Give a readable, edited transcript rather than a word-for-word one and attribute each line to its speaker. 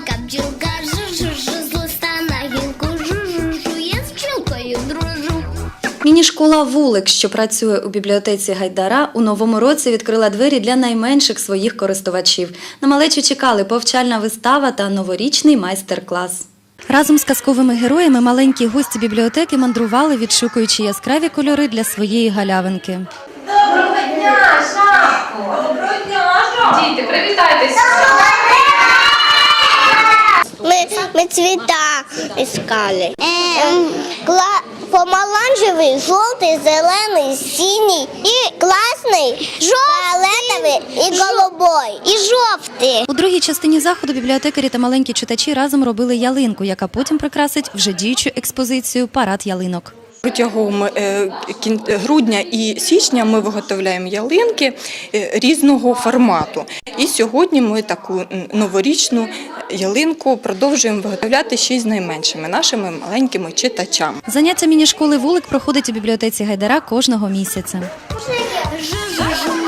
Speaker 1: Бджілка, бджілка, жу-жу-жу, з листа на гілку, жу-жу-жу, я з бджілкою дружу.
Speaker 2: Міні-школа «Вулик», що працює у бібліотеці Гайдара, у новому році відкрила двері для найменших своїх користувачів. На малечу чекали повчальна вистава та новорічний майстер-клас. Разом з казковими героями маленькі гості бібліотеки мандрували, відшукуючи яскраві кольори для своєї галявинки.
Speaker 3: Доброго дня, Шапко! Доброго дня, Шапко! Діти, привітайтеся!
Speaker 4: Мы цвета искали. Помаранчевый, желтый, зеленый, синий и классный, фиолетовый и голубой, и жовтий.
Speaker 2: У другій частині заходу бібліотекарі та маленькі читачі разом робили ялинку, яка потім прикрасить вже діючу експозицію «Парад ялинок».
Speaker 5: Протягом грудня і січня ми виготовляємо ялинки різного формату. І сьогодні ми таку новорічну ялинку продовжуємо виготовляти ще й з найменшими нашими маленькими читачами.
Speaker 2: Заняття міні-школи «Вулик» проходить у бібліотеці Гайдара кожного місяця.
Speaker 1: Жу-жу-жу,